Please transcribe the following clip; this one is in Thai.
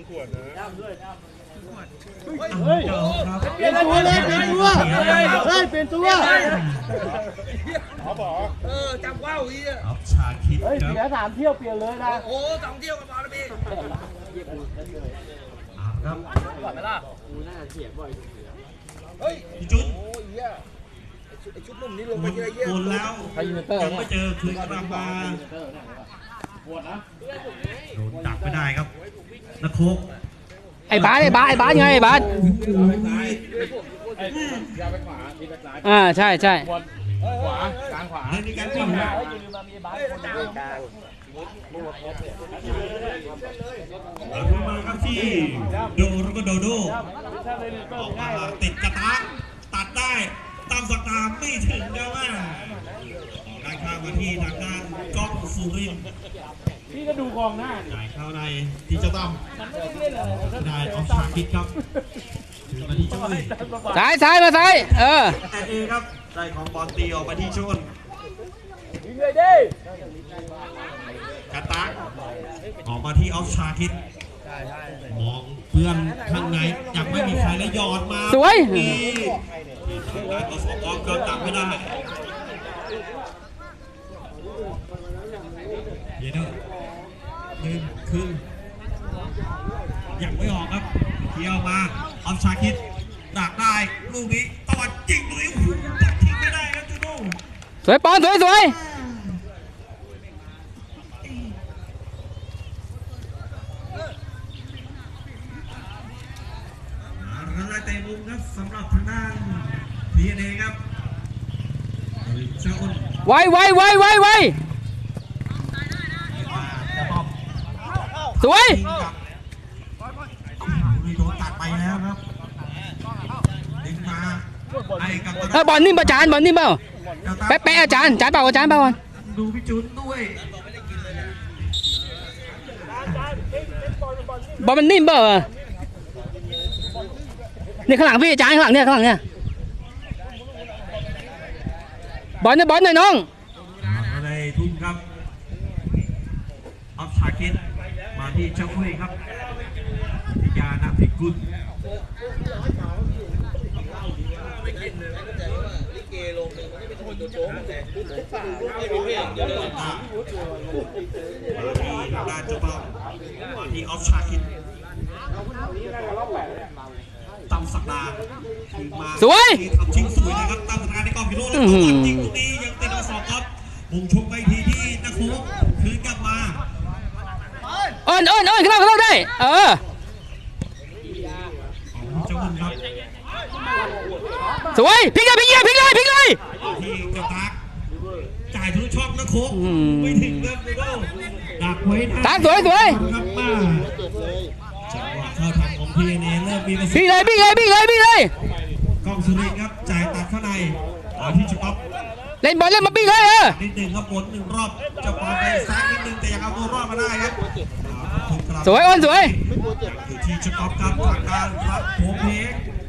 ขวดนะเฮ้ยเปลี่ยนตัวเลยเปลี่ยนตัวเฮ้ยเปลี่ยนตัวจำว่าวอีอ่ะชาคิดเฮ้ยเสีย3 เที่ยวเปลี่ยนเลยนะโอ้2 เที่ยวก็พอแล้วพี่ครับก่อนไหมล่ะกูน่าเสียบ่อยเฮ้ยจุดโอ้ยไอชุดนุ่มนี้ลงไปเยอะแยะหมดแล้วยังไม่เจอคืนกลับมาโดนดักไม่ได้ครับนักโคกไอ้บาสไงไอ้บาสใช่ใช่ขวากลางขวาในการวิ่งมาครับที่โดแล้วก็โดโดออกมาติดกระตะตัดได้ตามสตาร์ไม่ถึงนะว่าได้ข้ามมาที่ทางด้านก๊อกสุรินทร์พี่ก็ดูกองหน้าจ่ายเข้าในที่เจ้าตั้มได้ออฟชาคิดครับถือมาที่ช่วยซ้ายมาซ้ายแต่เอครับได้ของบอลตีออกมาที่ชนยิงเลยดิกระตักออกมาที่ออฟชาคิดมองเพื่อนข้างในยังไม่มีใครและหยอดมาสวยได้ก็สองออฟก็ตัดไม่ได้เดี๋ยวขึ้นยังไม่ออกครับเที่ยวมาออฟชาคิดดักได้ลูกนี้ตอดจริงเลยตัดทิ้งไม่ได้ครับจูโน่สวยปอนสวยอะไรเตะมุมครับสำหรับทางด้านพีเอ็นเอครับเจ้าอ้นไวสวยโดนตัดไปแล้วครับดึงมาไอ้กับบอลนิ่มป่ะจานบอลนิ่มเปล่าแป๊ะอาจารย์เปล่าอาจารย์เปล่าดูพี่จุนด้วยบอลมันนิ่มเปล่านี่ข้างหลังพี่อาจารย์ข้างหลังเนี่ยบอลหน่อยน้องอะไรทุ่มครับออฟชาคิดมาที่เจ้าอุ้ยครับยานาภิกุลไม่กินเลยไม่เข้าใจว่าลิเกลงหนึ่งมันไม่เป็นคนตัวโจ๊กแต่พูดป่าไม่รู้เรื่องเยอะเลยมาที่ด้านเจ้าเป้ามาที่ออฟชาคิดตั้มสักดามาสวยทำชิงสวยนะครับตั้มสักดาในกองพิโรจน์แล้วก็วันจริงตรงนี้ยังติดมา2ครับมุ่งชกไปทีที่นักโขกคืนกลับมาขึ้นเราได้เจ้าบุญครับสวยพลิกเลยที่กระตักจ่ายทุกช่องนักโขกไม่ถึงเริ่มเลยดักไว้ตักสวยครับมาจังหวะเข้าทางของพีเอ็นเอเริ่มมีประสิทธิ์เลยกองสุรินทร์ครับจ่ายตัดเข้าในที่จุดป๊อปเล่นบอลเล่นมาปิ้งเลยนิดหนึ่งครับบน1 รอบจะปาไปซ้ายนิดนึงแต่ยังเอาตัวรอดมาได้ครับสวยอยู่ที่จุดป๊อปครับทางการพระโพเพก